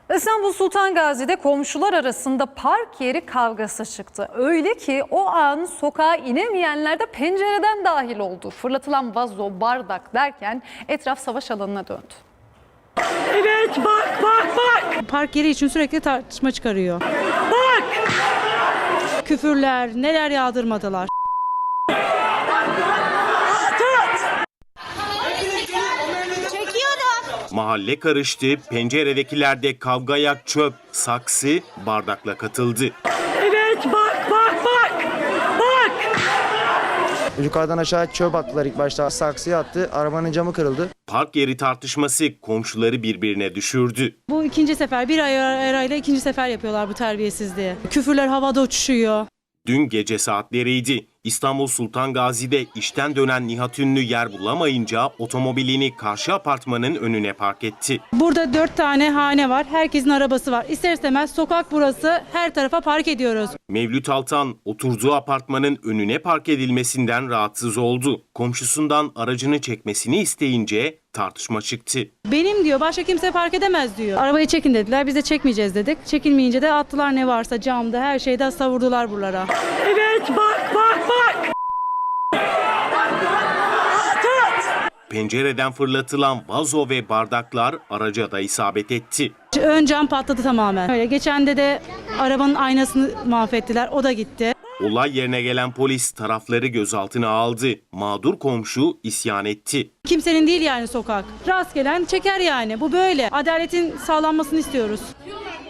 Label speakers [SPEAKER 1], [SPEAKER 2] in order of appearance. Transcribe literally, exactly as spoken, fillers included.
[SPEAKER 1] İstanbul Sultan Gazi'de komşular arasında park yeri kavgası çıktı. Öyle ki o an sokağa inemeyenler de pencereden dahil oldu. Fırlatılan vazo, bardak derken etraf savaş alanına döndü.
[SPEAKER 2] Evet, bak bak bak.
[SPEAKER 3] Park yeri için sürekli tartışma çıkarıyor.
[SPEAKER 2] Bak.
[SPEAKER 3] Küfürler, neler yağdırmadılar.
[SPEAKER 4] Mahalle karıştı, penceredekilerde kavgaya çöp, saksı, bardakla katıldı.
[SPEAKER 2] Evet, bak bak bak. Bak.
[SPEAKER 5] Yukarıdan aşağı çöp attılar ilk başta. Saksıya attı. Arabanın camı kırıldı.
[SPEAKER 4] Park yeri tartışması komşuları birbirine düşürdü.
[SPEAKER 3] Bu ikinci sefer, bir ay arayla ikinci sefer yapıyorlar bu terbiyesizliği. Küfürler havada uçuşuyor.
[SPEAKER 4] Dün gece saatleriydi. İstanbul Sultan Gazi'de işten dönen Nihat Ünlü yer bulamayınca otomobilini karşı apartmanın önüne park etti.
[SPEAKER 3] Burada dört tane hane var. Herkesin arabası var. İster istemez sokak burası, her tarafa park ediyoruz.
[SPEAKER 4] Mevlüt Altan oturduğu apartmanın önüne park edilmesinden rahatsız oldu. Komşusundan aracını çekmesini isteyince tartışma çıktı.
[SPEAKER 3] Benim diyor, başka kimse park edemez diyor. Arabayı çekin dediler, biz de çekmeyeceğiz dedik. Çekilmeyince de attılar ne varsa camda, her şeyde savurdular buralara.
[SPEAKER 2] Evet, bak bak bak.
[SPEAKER 4] Pencereden fırlatılan vazo ve bardaklar araca da isabet etti.
[SPEAKER 3] Ön cam patladı tamamen. Öyle geçende de arabanın aynasını mahvettiler, o da gitti.
[SPEAKER 4] Olay yerine gelen polis tarafları gözaltına aldı. Mağdur komşu isyan etti.
[SPEAKER 3] Kimsenin değil yani sokak. Rast gelen çeker yani. Bu böyle. Adaletin sağlanmasını istiyoruz.